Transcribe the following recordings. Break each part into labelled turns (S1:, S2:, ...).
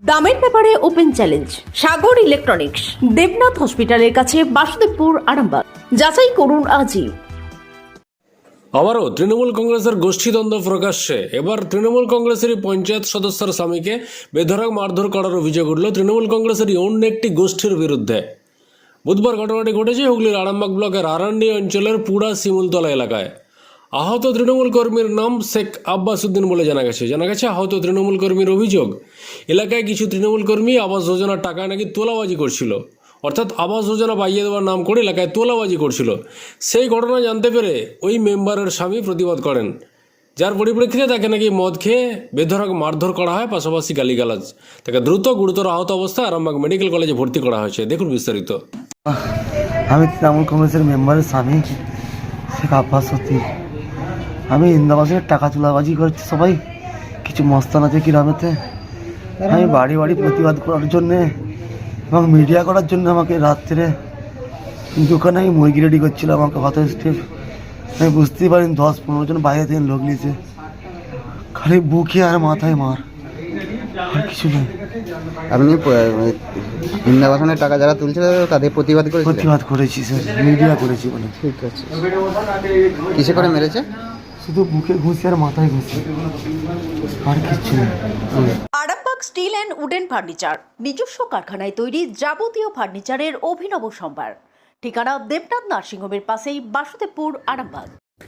S1: দামের ব্যাপারে open challenge Sagar electronics, Debnath হসপিটালের কাছে, বাসুদেবপুর, আরামবাগ। যাচাই করুন আজই।
S2: আবারও তৃণমূল কংগ্রেসের গোষ্ঠীদ্বন্দ্ব প্রকাশ্যে। এবার তৃণমূল কংগ্রেসেরই পঞ্চায়েত সদস্যের স্বামীকে বেধড়ক মারধর করার অভিযোগ উঠল তৃণমূল কংগ্রেসেরই অন্য একটি গোষ্ঠীর বিরুদ্ধে। বুধবার ঘটনাটি ঘটেছে হুগলির আরামবাগ ব্লকের আরান্ডি অঞ্চলের পুরা শিমুলতলা এলাকায়। আহত তৃণমূল কর্মীর নাম শেখ আব্বাস উদ্দিন বলে জানা গেছে। আহত তৃণমূল কর্মীর অভিযোগ, এলাকায় কিছু তৃণমূল কর্মী আবাস যোজনার টাকা নাকি তোলাবাজি করছিল, অর্থাৎ আবাস যোজনা পাইয়ে দেওয়ার নাম করে এলাকায় তোলাবাজি করছিল। সেই ঘটনা জানতে পেরে ওই মেম্বারের স্বামী প্রতিবাদ করেন, যার পরিপ্রেক্ষিতে তাকে নাকি মদ খেয়ে বেধড়ক মারধর করা হয়, পাশাপাশি গালিগালাজ। তাকে দ্রুত গুরুতর আহত অবস্থায় আরামবাগ মেডিকেল কলেজে ভর্তি করা হয়েছে। দেখুন বিস্তারিত।
S3: আমি তৃণমূল কংগ্রেসের মেম্বারের স্বামী শেখ আব্বাস উদ্দিন। আমি ইন্দাবাসের টাকা তোলাবাজি করছি, সবাই কিছু মস্তান আছে গ্রামেতে। আমি বাড়ি বাড়ি প্রতিবাদ করার জন্যে এবং মিডিয়া করার জন্য আমাকে রাত্রে দোকানে আমি মুরগি রেডি করছিলাম। আমাকে হত স্টেপ আমি বুঝতেই পারিনি 10-15 জন বাইরে থেকে লোক নিয়েছে, খালি বুকে আর মাথায় মার, আর কিছু নেই।
S4: আপনি বৃন্দাবনের টাকা যারা তুলছিল তাদের প্রতিবাদ
S3: করেছি স্যার, মিডিয়া করেছি বলে।
S4: ঠিক আছে, কিসে করে মেরেছে?
S3: শুধু বুকে ঘুষি আর মাথায় ঘুষি, আর কিছু নেই।
S1: Arambagh steel and wooden furniture, নিজস্ব কারখানায় তৈরি যাবতীয় ফার্নিচারের অভিনব সম্ভার। ঠিকানা দেবনাথ নার্সিংহোমের পাশেই, বাসুদেবপুর, আরামবাগ।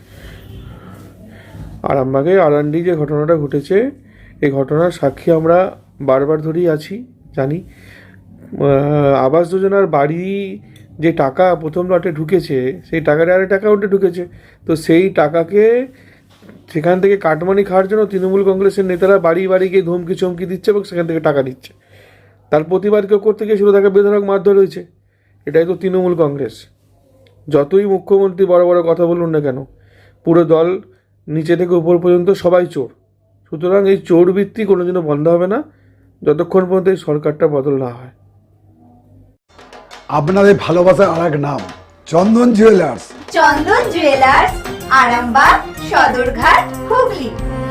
S5: আরামবাগে আরান্ডি যে ঘটনাটা ঘটেছে, এই ঘটনার সাক্ষী আমরা বারবার ধরেই আছি, জানি। আবাস যোজনার বাড়ি যে টাকা প্রথম লটে ঢুকেছে, সেই টাকাটা আরেক অ্যাকাউন্টে ঢুকেছে। তো সেই টাকাকে সেখান থেকে কাটমানি খাওয়ার জন্য তৃণমূল কংগ্রেসের নেতারা বাড়ি বাড়ি গিয়ে ধমকি চমকি দিচ্ছে এবং সেখান থেকে টাকা নিচ্ছে। তার প্রতিবাদ কেউ করতে গিয়েছিল, তাকে বেধড়ক মারধর হয়েছে। এটাই তো তৃণমূল কংগ্রেস। যতই মুখ্যমন্ত্রী বড় বড় কথা বলুন না কেন, পুরো দল নিচে থেকে উপর পর্যন্ত সবাই চোর। সুতরাং এই চোর বৃত্তি কোনোদিনও বন্ধ হবে না যতক্ষণ পর্যন্ত এই সরকারটা বদল না হয়।
S6: আপনাদের ভালোবাসার আর এক নাম চন্দন জুয়েলার্স।
S7: চন্দন জুয়েলার্স, আরামবাগ, সদরঘাট, হুগলি।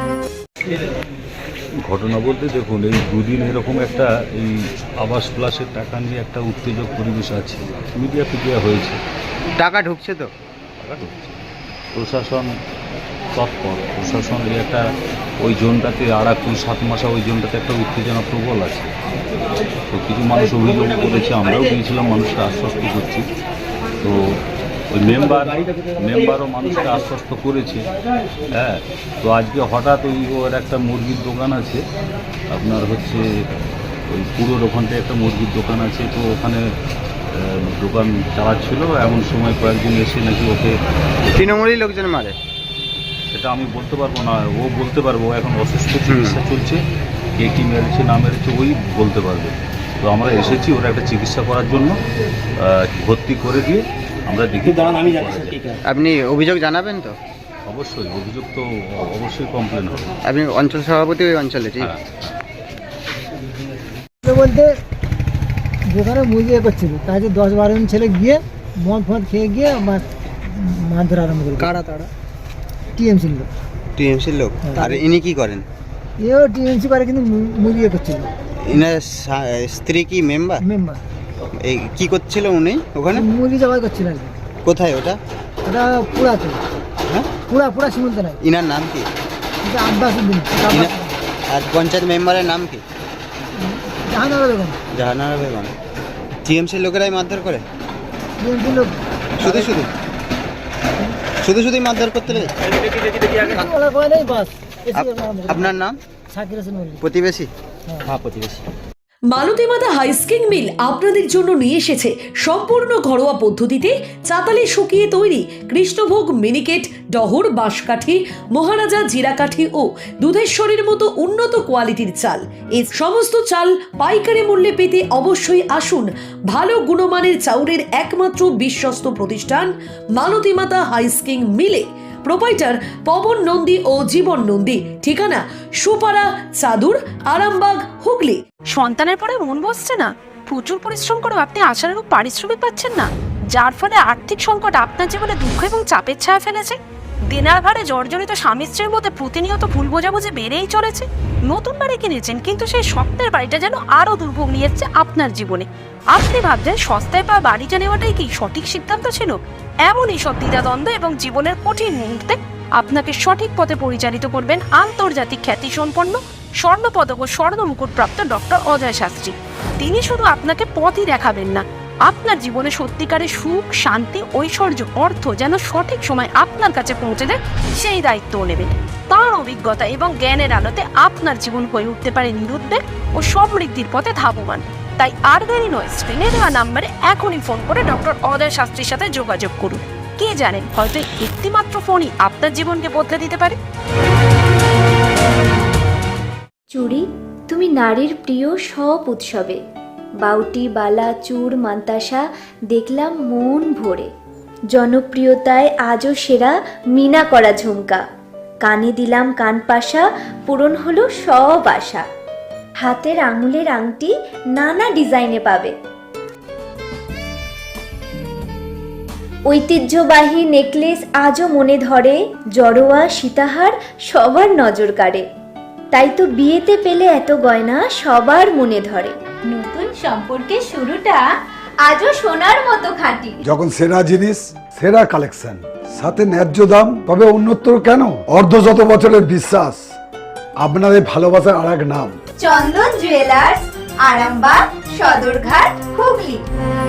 S8: ঘটনা বলতে দেখুন, এই দুদিন এরকম একটা এই আবাস প্লাসের টাকা নিয়ে একটা উত্তেজক পরিবেশ আছে, মিডিয়া হয়েছে।
S4: টাকা ঢুকছে তো,
S8: টাকা ঢুকছে, প্রশাসন তৎপর। প্রশাসন এই একটা ওই জোনটাতে আরাকুল 7 মাসা ওই জোনটাতে একটা উত্তেজনা প্রবল আছে। তো কিছু মানুষ অভিযোগ করেছে, আমরাও গিয়েছিলাম, মানুষকে আশ্বস্ত করছি। তো ওই মেম্বারও মানুষকে আশ্বস্ত করেছে। হ্যাঁ, তো আজকে হঠাৎ ওর একটা মুরগির দোকান আছে, আপনার হচ্ছে ওই পুরোর ওখানটায় একটা মুরগির দোকান আছে। তো ওখানে দোকান চালাচ্ছিল, এমন সময় কয়েকজন এসে নাকি ওকে
S4: তৃণমূলী লোকজন মারে।
S8: সেটা আমি বলতে পারবো না, ও বলতে পারবো। এখন অসুস্থ চিকিৎসা চলছে, কে কী মেরেছে না মেরেছে ওই বলতে পারবে। তো আমরা এসেছি ওরা একটা চিকিৎসা করার জন্য, ভর্তি করে দিয়ে আমরা দেখি।
S4: আপনি অভিযোগ জানাবেন তো?
S8: অবশ্যই, অভিযোগ তো অবশ্যই কমপ্লেন হবে।
S4: আপনি অঞ্চল সভাপতি ওই অঞ্চলে? ঠিক
S9: বলতে যেখানে মুরগি করছিল তাকে 10-12 জন ছেলে গিয়ে মদ ফদ খেয়ে গিয়ে মারধর আরম্ভ করলো। কারা তারা? টিএমসির লোক।
S4: টিএমসির লোক? আর ইনি কি করেন?
S9: এও টিএমসি করে, কিন্তু মুরগি করছিল।
S4: ইনার স্ত্রী কি মেম্বার? এই কি করছিল উনি ওখানে?
S9: মুরগি জবাই করছিল আর কি।
S4: কোথায় ওটা?
S9: ওটা পুরাতে।
S4: হ্যাঁ,
S9: পুরা শিমুলতে নাই।
S4: ইনার নাম কি?
S9: আব্বাস উদ্দিন।
S4: আর পঞ্চায়েত মেম্বারের নাম কি?
S9: জাহানারা বেগম।
S4: জাহানারা বেগম। টিএমসির লোকেরাই মারধর করে?
S9: টিএমসির লোক
S4: শুধু মারধর করতে লাগে? আপনার নাম?
S9: শাকির হোসেন মল্লিক।
S4: প্রতিবেশী? হ্যাঁ, প্রতিবেশী।
S1: মালতীমাতা হাইস্কিং মিল আপনাদের জন্য নিয়ে এসেছে সম্পূর্ণ ঘরোয়া পদ্ধতিতে চাতালে শুকিয়ে তৈরি কৃষ্ণভোগ মিনিকেট, ডহর, বাঁশকাঠি, মহারাজা, জিরাকাঠি ও দুধেশ্বরীর মতো উন্নত কোয়ালিটির চাল। এই সমস্ত চাল পাইকারি মূল্যে পেতে অবশ্যই আসুন ভালো গুণমানের চাউলের একমাত্র বিশ্বস্ত প্রতিষ্ঠান মালতীমাতা হাইস্কিং মিলে। প্রোপাইটার পবন নন্দী ও জীবন নন্দী। ঠিকানা সুপারা, চাদুর, আরামবাগ, হুগলি।
S10: সন্তানের পরে মন বসছে না, প্রচুর পরিশ্রম করেও আপনি আশানুরূপ পারিশ্রমিক পাচ্ছেন না, যার ফলে আর্থিক সংকট আপনার জীবনে দুঃখ এবং চাপের ছায়া ফেলেছে। দেনার ভারে জর্জরিত স্বামী স্ত্রীর মধ্যে প্রতিনিয়ত ভুল বোঝাবুঝি বেড়েই চলেছে। নতুন বাড়ি কিনেছেন, কিন্তু সেই স্বপ্নের বাড়িটা যেন আরো দুর্ভোগ নিয়ে এসছে আপনার জীবনে। আপনি ভাবছেন সস্তায় পাওয়া বাড়িটা নেওয়াটাই কি সঠিক সিদ্ধান্ত ছিল? এমনই সব দ্বিধাদ্বন্দ্ব এবং জীবনের কঠিন মুহূর্তে আপনাকে সঠিক পথে পরিচালিত করবেন আন্তর্জাতিক খ্যাতিসম্পন্ন স্বর্ণপদক ও স্বর্ণ মুকুটপ্রাপ্ত ডক্টর অজয় শাস্ত্রী। তিনি শুধু আপনাকে পথই দেখাবেন না, আপনার জীবনে সত্যিকারের সুখ, শান্তি, ঐশ্বর্য, অর্থ যেন সঠিক সময় আপনার কাছে পৌঁছে দেয় সেই দায়িত্বও নেবেন। তার অভিজ্ঞতা এবং জ্ঞানের আলোতে আপনার জীবন হয়ে উঠতে পারে নিরুদ্বেগ ও সমৃদ্ধির পথে ধাবমান। তাই আর দেরি নয়, স্ক্রিনে দেওয়া নাম্বারে এখনই ফোন করে ডক্টর অজয় শাস্ত্রীর সাথে যোগাযোগ করুন। কে জানেন, হয়তো একটিমাত্র ফোনই আপনার জীবনকে বদলে দিতে পারে।
S7: চুড়ি, তুমি নারীর প্রিয় সব উৎসবে। বাউটি, বালা, চূড়, মান্তাসা দেখলাম মন ভরে। জনপ্রিয়তায় আজও সেরা মিনা করা ঝুমকা। কানে দিলাম কানপাশা, পূরণ হলো সব আশা। হাতের আঙুলের আংটি নানা ডিজাইনে পাবে। ঐতিহ্যবাহী নেকলেস আজও মনে ধরে। জড়োয়া, সীতাহার সবার নজর কাড়ে। তাই তো বিয়েতে পেলে এত গয়না সবার মনে ধরে। নতুন সম্পর্কের শুরুটা আজও সোনার মতো খাঁটি।
S6: যখন সেরা জিনিস, সেরা কালেকশন, সাথে ন্যায্য দাম, তবে উন্নতর কেন? অর্ধশত বছরের বিশ্বাস, আপনাদের ভালোবাসার আর এক নাম।
S7: চন্দন জুয়েলার্স, আরামবাগ, সদরঘাট, হুগলি।